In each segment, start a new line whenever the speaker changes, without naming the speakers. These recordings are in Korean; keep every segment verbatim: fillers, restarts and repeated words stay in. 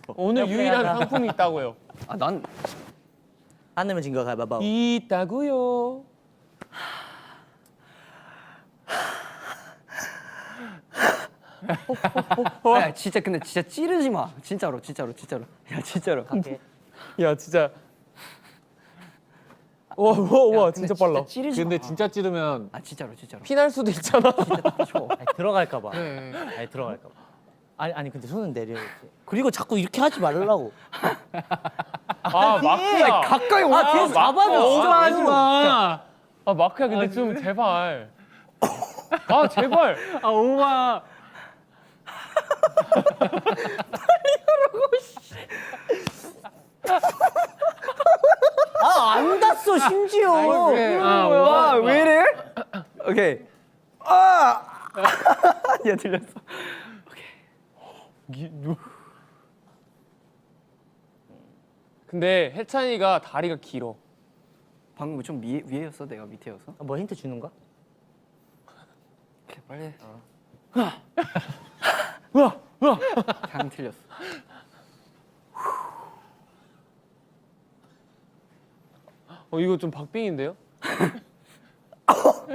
오늘 유일한 상품이 있다고요.
아, 난
안 내면 진 거 가위바위보.
있다고요.
야, 진짜 근데 진짜 찌르지 마. 진짜로, 진짜로, 진짜로. 야, 진짜로.
갈게.
야 진짜. 와 와 와
야,
진짜
근데
빨라.
찌르지
근데
마.
진짜 찌르면
아, 진짜로, 진짜로.
피날 수도 있잖아.
쳐.
아니, 들어갈까 봐.
네.
아니 들어갈까 봐. 아니 아니 근데 손은 내려 이렇게. 그리고 자꾸 이렇게 하지 말라고.
아 마크야.
가까이 와.
아 뒤에서 잡아줘. 진짜 하지 마.
아 마크야 근데 좀 제발. 아 제발.
아, 오마.
아 안 닿았어 심지어.
아, 와, 왜 이래? 오케이. 아! 야, 들렸어.
근데 해찬이가 다리가 길어.
방금 좀 위에, 위에였어? 내가 밑에였어?
아, 뭐 힌트 주는 거?
오케이, 빨리.
우와 우와.
당 틀렸어.
어 이거 좀 박빙인데요? 아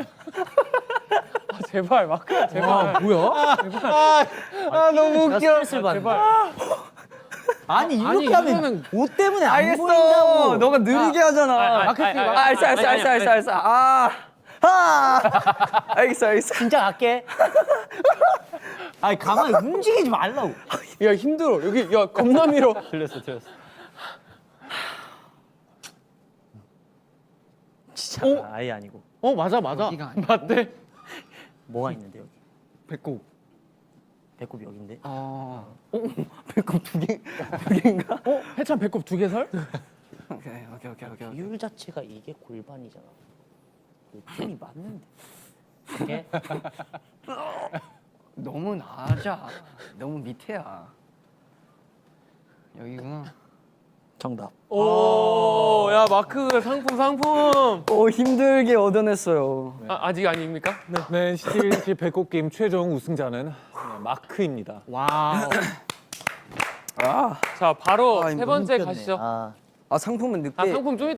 제발 마크야 제발.
뭐야?
아 너무
내가 스트레스를 받는
제발.
아니 이렇게
아니,
하면
이거는-
옷 때문에 안
알겠어.
보인다고.
너가 느리게 하잖아.
아, 아,
아,
아, 아,
아, 알았어, 알았어, 알았어, 알았어, 알았어. 아, 아, 알겠어, 알겠어.
진짜 갈게. 아니 가만히 움직이지 말라고.
야 힘들어 여기 야 겁나 밀어.
들렸어 들렸어. 진짜 아예 아니고.
어 맞아 맞아.
여기가 아니고?
맞대.
뭐가 있는데 여기?
배꼽.
배꼽이 여긴데.
어, 어, 배꼽 두 개, 두 개인가?
어 해찬 배꼽 두 개 살?
오케이, 오케이, 오케이, 오케이.
비율 자체가 이게 골반이잖아. 느낌이 맞는데. 이게
너무 낮아. 너무 밑에야. 여기구나.
정답.
오, 야 마크 상품 상품.
오, 힘들게 얻어냈어요.
아, 아직 아닙니까? 네.
네, 시티빌리티 배꼽 게임 최종 우승자는 네, 마크입니다.
와우.
아,
자 바로
아,
세
이거
번째
웃겼네.
가시죠.
아,
아 상품은 늦게.
아 상품 좀